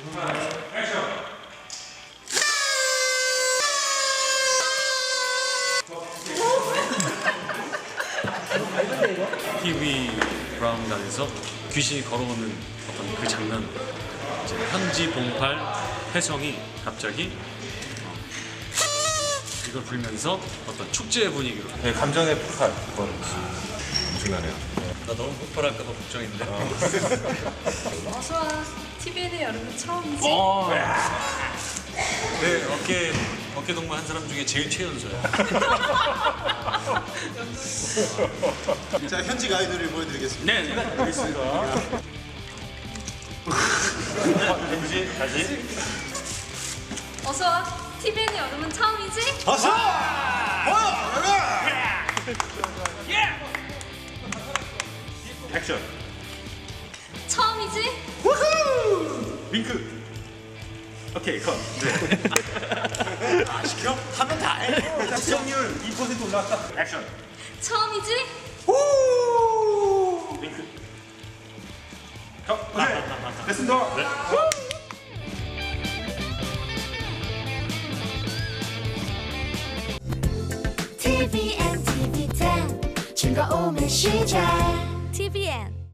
TV 브라운관에서 귀신이 걸어오는 어떤 그 장면, 이제 현지 봉팔 혜성이 갑자기 이걸 불면서 어떤 축제 분위기로. 네, 감정의 폭발. 그건 엄청나네요. 나 너무 폭발할까봐 걱정인데. 어서와. TVN의 여름은 처음이지? 네, 어깨 동무 한 사람 중에 제일 최연소야. 자, 현지 가이드를 보여드리겠습니다. 네, 알겠습니다. 현지 다시. 어서와. TVN의 여름은 처음이지? 어서! 액션. 처음이지? 윙크. 오케이, 컷. 시켜? 하면 다 해. 시청률 2% 올라왔다. 액션. 처음이지? 윙크. 컷. 오케이. 됐습니다. 네. TVN, TV10 즐거움의 시작 TVN